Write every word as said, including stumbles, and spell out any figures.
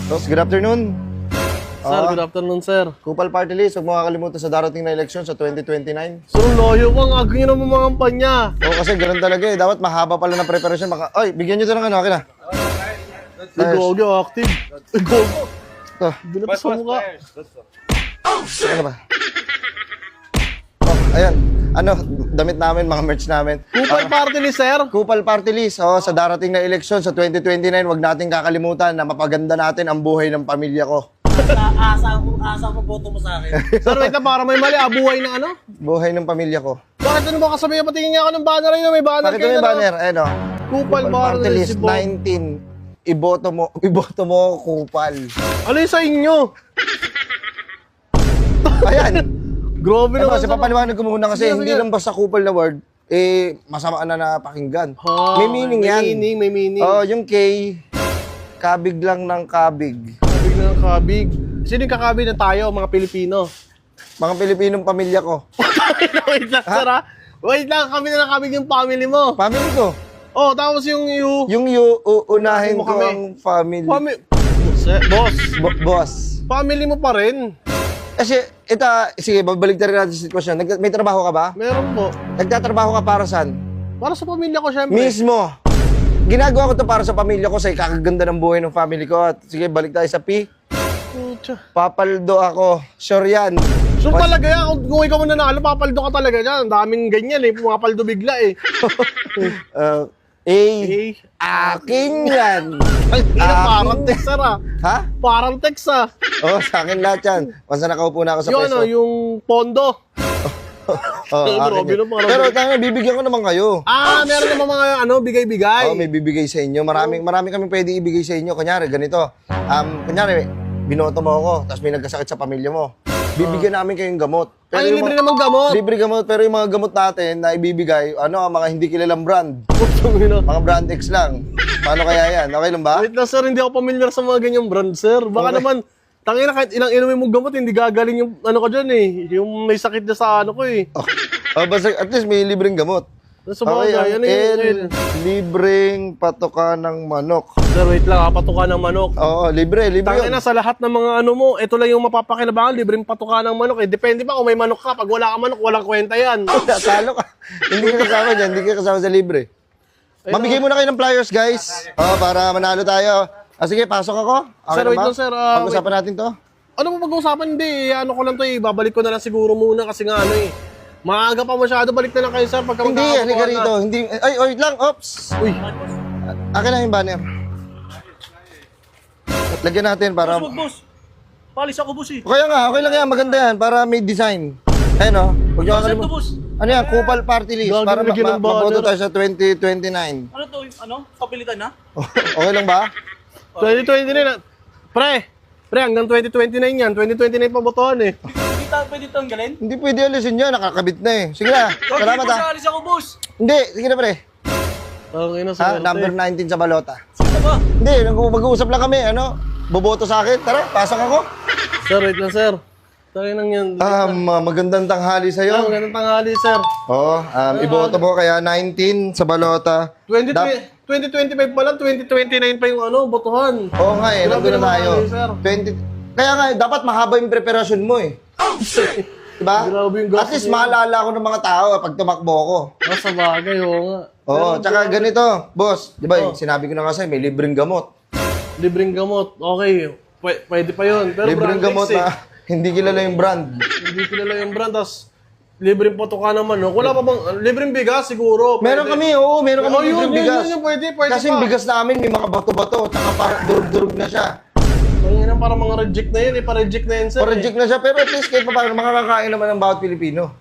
Boss, good afternoon. Sir, Ah, good afternoon, sir. Kupal Party List, huwag mo kakalimutan sa darating na eleksyon sa twenty twenty-nine. Sir, loyo ko. Ang agay ng mga kampanya. Oo, kasi ganun talaga eh. Dapat mahaba pala ng preparation. Baka, oy, bigyan nyo ito ng ano, akin na. Ay, gogi, active. Ay, gogi. Ito. Binatas sa mukha. Ano ba? Oh, ayan. Ano, damit namin, mga merch namin. Kupal party ni sir. Kupal Party List, oh, sa darating na eleksyon sa twenty twenty-nine, huwag natin kakalimutan na mapaganda natin ang buhay ng pamilya ko. Asa ko, asa ko boto mo sa akin. Sir, wait na, para may mali. Abuhay na ano? Buhay ng pamilya ko. Bakit ano ba kasabihin? Patingin nga ako ng banner yun. May banner Bakit kayo may na, banner? Ayan, oh. Kupal Party party List si Bo. nineteen. Iboto mo, iboto mo Kupal. Ano yung sa inyo? Ayan. Grabe Ano, naman. kasi sir. papaliwanag ko muna kasi Sige, hindi sige. lang basta kupal na word, eh, masama na napakinggan. Ha, may meaning yan. May meaning, may meaning. Oh, yung K, kabig lang ng kabig. Kabig na ng kabig. Sino yung kakabig na tayo, mga Pilipino? Mga Pilipinong pamilya ko. Wait lang, sir, ha? Wait lang, kami na nakabig yung family mo. Family ko. Oh, tapos yung you. Yung you, uunahin Mo ko kami. ang family. Family. Boss, Bo- boss. family mo pa rin. Kasi, ito, sige, babalik rin natin sa sitwasyon. Nag- may trabaho ka ba? Meron po. Nagtatrabaho ka para saan? Para sa pamilya ko, syempre. Mismo. Ginagawa ko to para sa pamilya ko, sa ikakaganda ng buhay ng family ko. At sige, balik tayo sa P. Pucha. Papaldo ako. Sure yan. So talaga yan, kung, kung ikaw mananalo, papaldo ka talaga dyan. Ang daming ganyan eh, pumapaldo bigla eh. Uh, A. Eh, Akin yan. ang ina, Akin. parang text, sir, ah. Ha? Parang text, ah. Oo, oh, sa akin lahat yan. Basta nakaupo na ako sa Yung pwesto. ano, yung pondo. Oh, akin Grabe yan. na, parang- Pero tayo, bibigyan ko naman kayo. Ah, meron naman mga ano, bigay-bigay. Oo, may bibigay sa inyo. Maraming, maraming kami pwede ibigay sa inyo. Kunyari, ganito. Um, kunyari, binoto mo ako, tapos may nagkasakit sa pamilya mo. Bibigyan namin kayong gamot. Ay, yung libre mga- naman gamot. Libre gamot, pero yung mga gamot natin na ibibigay, ano, mga hindi kilalang brand. Putang ina. Mga brand X lang. Paano kaya yan? Okay lang ba? Wait lang, sir, hindi ako familiar sa mga ganyang brand, sir. Baka Okay. naman, tangina, kahit ilang inumin mong gamot, hindi gagaling yung ano ko dyan eh. Yung may sakit na sa ano ko eh. Oh, basta at least may libreng gamot. Sa Okay, bagay, ang ano yun? L, libreng patoka ng manok. Sir, wait lang, ha, patuka ng manok. Oo, libre, libre yun. Tangina, sa lahat ng mga ano mo, ito lang yung mapapakinabangan, libreng patuka ng manok eh. Depende pa kung may manok ka. Pag wala ka manok, walang kwenta yan. Talo ka. Hindi ka kasama dyan, hindi ka kasama sa libre. Mamigay muna kayo ng flyers, guys. Oh, para manalo tayo. Ah, sige, pasok ako. Okay Sir, na wait ba? lang, sir, ah, Pag-usapan natin to. Ano mo pag-uusapan? Hindi, ano ko lang to eh. Babalik ko na lang siguro muna kasi nga ano eh. Maaga pa masyado, balik na lang kayo, sir. Pagka Hindi, magkakapagawa halika na. rito. Hindi, ay, wait lang, ops. Uy, Akin na yung banner. Lagyan natin para... Boss, boss. Palis ako, boss eh. Kaya nga, okay lang yan, maganda yan, para may design. Ayun o, huwag nyo Saan to, kakalimutan. boss? Ano yan, Kupal Party List, Gagi, para ma- lagyan ma- ng banner. maboto tayo sa twenty twenty-nine. Ano to? Ano? Kapilitan na? Okay lang ba? twenty twenty-nine na. Pre, pre, hanggang twenty twenty-nine yan. twenty twenty-nine pa botohan eh. Hindi ta pwede tanggalin? Hindi pwede alisin yan, nakakabit na eh. Sige na, salamat Boss, ha. alis ako, boss. Hindi, sige na pre. Okay na, Ha, sir. number nineteen sa balota. Sino ba? Hindi, nag- mag-uusap lang kami, ano? Boboto sa akin, tara, pasok ako. Sir, wait lang, sir. Tayo nang yan. Um, uh, magandang tanghali Sir, sa'yo. magandang tanghali, sir. Oo, um, iboto mo kaya nineteen sa balota. twenty Dap- twenty twenty-five pa lang, twenty twenty-nine pa yung ano, botohan. Oo nga eh, Grabe nandun na naman tayo. kayo, sir. twenty Kaya nga, eh, dapat mahaba yung preparasyon mo eh. Diba? Grabe yung gastos At least niya. maalala ko ng mga tao eh, pag tumakbo ko. Ah, sa bagay, oo nga. Oo, tsaka ganito, boss. Di ba, Oh. sinabi ko na kasi, may libreng gamot. Libreng gamot, okay. Pwe- pwede pa yun. Pero Libreng brand gamot X, eh. na hindi kilala yung brand. Hindi kilala yung brand, tas libreng patuka naman, no? Wala pa bang, libreng bigas siguro. Meron pwede. kami, oo, meron kami Oh, yun, libreng yun, bigas. yun, yun, pwede, pwede Kasi pa. yung bigas namin, may mga bato-bato, tsaka parang durug-durug na siya. Ang ina, parang mga reject na yun, eh. Pa-reject na yun, sir. O reject na siya, pero at least kahit pa paano, makakakain naman ng bawat Pilipino.